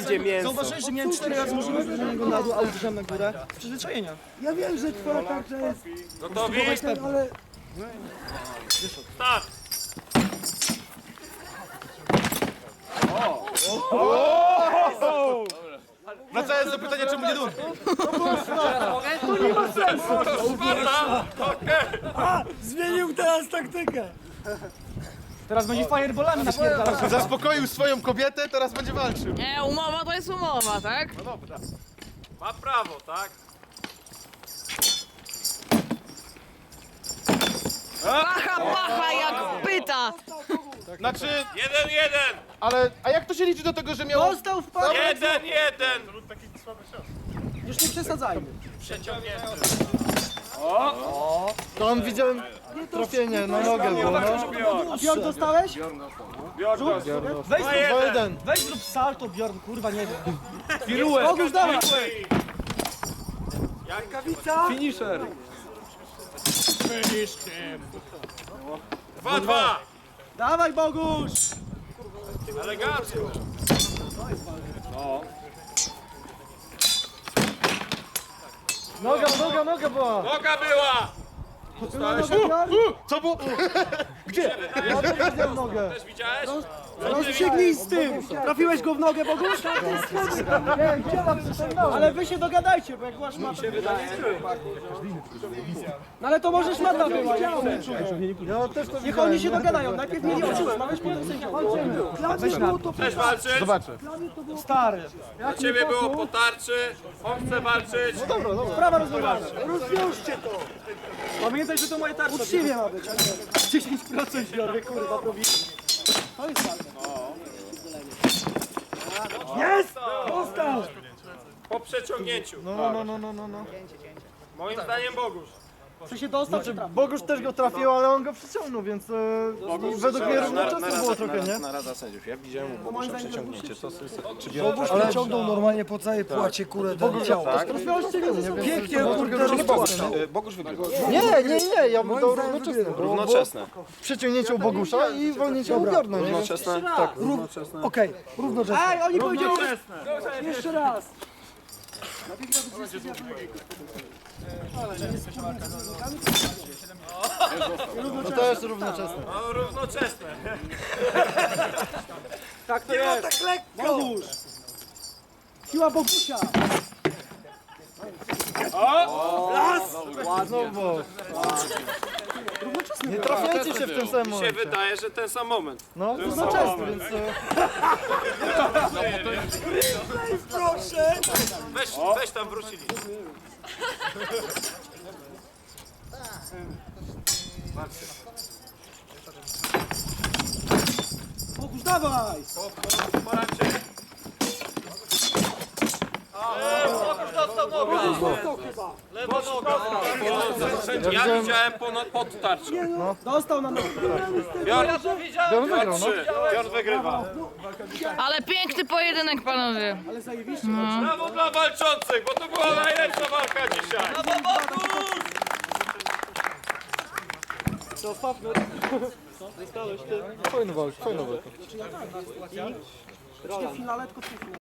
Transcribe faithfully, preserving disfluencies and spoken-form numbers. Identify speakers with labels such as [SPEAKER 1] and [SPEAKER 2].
[SPEAKER 1] będzie mięso.
[SPEAKER 2] Zauważyłeś, że miałem cztery razy możliwość wyrzucenia go na dół, a uderzam na górę? Z przyzwyczajenia.
[SPEAKER 3] Ja wiem, że twoja tarcza jest...
[SPEAKER 4] Gotowi?
[SPEAKER 3] ale...
[SPEAKER 4] Start!
[SPEAKER 1] Wracając do pytania, czemu nie dół?
[SPEAKER 4] Sparta! Okej!
[SPEAKER 3] Zmienił teraz taktykę.
[SPEAKER 2] Teraz będzie fireballami napierdalał.
[SPEAKER 1] Zaspokoił swoją kobietę, teraz będzie walczył.
[SPEAKER 5] Nie, umowa to jest umowa, tak?
[SPEAKER 4] Ma prawo, tak?
[SPEAKER 5] Pacha, pacha jak pyta!
[SPEAKER 1] Znaczy,
[SPEAKER 4] Jeden, jeden!
[SPEAKER 1] ale, a jak to się liczy do tego, że miał...
[SPEAKER 3] Dostał w parę.
[SPEAKER 4] Jeden, jeden!
[SPEAKER 2] Już nie przesadzajmy.
[SPEAKER 4] Przeciągnięty.
[SPEAKER 1] To on widziałem trafienie na nogę było, no.
[SPEAKER 2] A Bjorn dostałeś? Weź,
[SPEAKER 4] Dwa,
[SPEAKER 2] zrób-
[SPEAKER 4] jeden.
[SPEAKER 1] jeden.
[SPEAKER 2] weź zrób salto, Bjorn, kurwa, nie wiem.
[SPEAKER 4] Piruet.
[SPEAKER 2] Bogusz, dawaj.
[SPEAKER 1] Finisher.
[SPEAKER 4] Dwa, dwa!
[SPEAKER 2] Dawaj, Bogusz!
[SPEAKER 4] Elegancko!
[SPEAKER 1] Noga, noga, noga była.
[SPEAKER 4] Noga była!
[SPEAKER 1] Co było?
[SPEAKER 3] Ja też widziałem nogę.
[SPEAKER 4] Też widziałeś?
[SPEAKER 2] Rozstrzygnij z tym! Trafiłeś go w nogę, Bogusz?
[SPEAKER 3] Nie, gdzie tam przyciągnąłem?
[SPEAKER 2] Ale wy się dogadajcie, bo jak masz matę... No ale to może szmata była, jak
[SPEAKER 3] Ja też to
[SPEAKER 2] niech oni się dogadają, najpierw mieli oczy rozmawiać, potem sędzia.
[SPEAKER 3] Weź było to
[SPEAKER 4] Chcesz walczyć?
[SPEAKER 1] Zobaczę.
[SPEAKER 2] Stary,
[SPEAKER 4] Dla ciebie było po tarczy. On chce walczyć.
[SPEAKER 2] sprawa rozwiązana.
[SPEAKER 3] rozwiążcie to.
[SPEAKER 2] Pamiętaj, że to moje tarcze.
[SPEAKER 3] Uczciwie ma być.
[SPEAKER 2] dziesięć procent biorę, kurwa, prowizji. To jest walka.
[SPEAKER 3] Jest! Dostał!
[SPEAKER 4] Po przeciągnięciu.
[SPEAKER 1] No, no, no, no, no, no.
[SPEAKER 4] Moim zdaniem Bogusz.
[SPEAKER 2] Co się dostał, czy trafił?
[SPEAKER 1] Bogusz też go trafił, ale on go przyciągnął, więc e, według mnie równoczesne było trochę, nie?
[SPEAKER 6] Narada sędziów. Ja widziałem u Bogusza przeciągnięcie. To jest, czy
[SPEAKER 3] Bogusz wyciągnął normalnie po całej płacie kurę do ciała.
[SPEAKER 1] Tak?
[SPEAKER 3] Pięknie, kurde, rozpłaszczone.
[SPEAKER 6] Bogusz wygrywa.
[SPEAKER 1] Nie, nie, nie, ja bym dał równoczesne. Bo, bo
[SPEAKER 6] Równoczesne.
[SPEAKER 1] przeciągnięcie u Bogusza i wolnięcie u Bjorna, nie?
[SPEAKER 6] Równoczesne? Tak.
[SPEAKER 3] Okej, równoczesne.
[SPEAKER 2] Ej, oni powiedzieli...
[SPEAKER 3] Jeszcze raz.
[SPEAKER 1] To też równoczesne.
[SPEAKER 4] No równoczesne.
[SPEAKER 2] Tak to jest.
[SPEAKER 3] Tak lekko.
[SPEAKER 2] Bogusz! Siła Bogusia!
[SPEAKER 1] Znowu. Nie trafiajcie się w tym samym
[SPEAKER 4] Mi się
[SPEAKER 1] momencie.
[SPEAKER 4] wydaje, że ten sam moment.
[SPEAKER 1] No, równoczesny, więc... e,
[SPEAKER 3] Proszę.
[SPEAKER 4] Weź, weź tam wrócili.
[SPEAKER 2] Bogusz, dawaj!
[SPEAKER 4] Pomarańczy. Bogusz dostał nogę. Lewa noga. Ja widziałem ponad, pod tarczą.
[SPEAKER 2] Dostał na nogę.
[SPEAKER 4] Bjorn,
[SPEAKER 1] Bjorn wygrał, no.
[SPEAKER 4] trzy. Bjorn wygrywa.
[SPEAKER 5] Ale piękny pojedynek, panowie.
[SPEAKER 2] Ale zajebiście.
[SPEAKER 4] Brawo dla walczących, bo to była najlepsza walka dzisiaj. Brawo, Bogusz!
[SPEAKER 2] Zostawmy.
[SPEAKER 1] Fajny walk, fajny walk.
[SPEAKER 2] W finale, tylko w finale.